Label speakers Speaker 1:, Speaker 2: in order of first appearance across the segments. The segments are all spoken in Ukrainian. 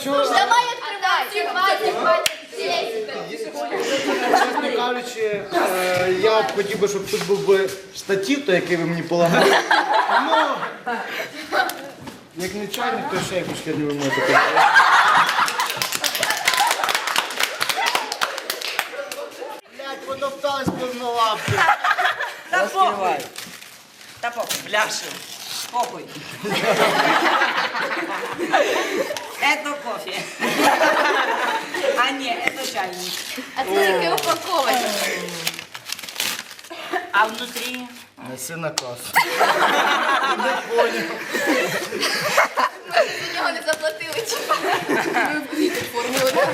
Speaker 1: чого?
Speaker 2: Давай открывай.
Speaker 1: Чесно кажучи, я б хотів би, щоб тут був би штатив, той, який ви мені полагали. Ну, як не чайник, то ще якусь херню ви можете. Блядь, потоптались повнолапки.
Speaker 3: Та похуй. Та похуй, бляшу. Похуй. Это кофе. А не, это чайник.
Speaker 2: А це тільки упаковочка.
Speaker 3: А внутри?
Speaker 1: Неси на касу.
Speaker 2: За нього не заплатили. Ми в квіти формули.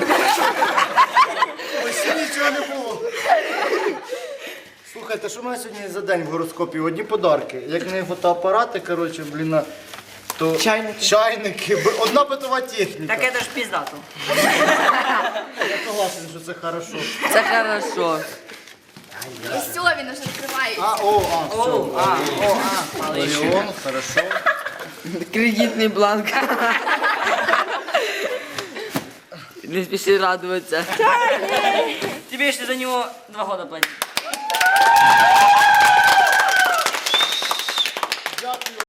Speaker 1: Ось нічого не було. Слухайте, що в мене сьогодні за день в гороскопі? Одні подарки. Як не фотоапарати, коротше, блін, то чайники, одна битова техніка.
Speaker 3: Так это ж пиздато.
Speaker 1: Я согласен, що це хорошо.
Speaker 4: Це хорошо.
Speaker 2: І все, він уже відкривається.
Speaker 3: Малыш.
Speaker 1: Мільйон, хорошо.
Speaker 4: Кредитний бланк. Не спіши радуватися.
Speaker 3: Тебе еще за него 2 года платить.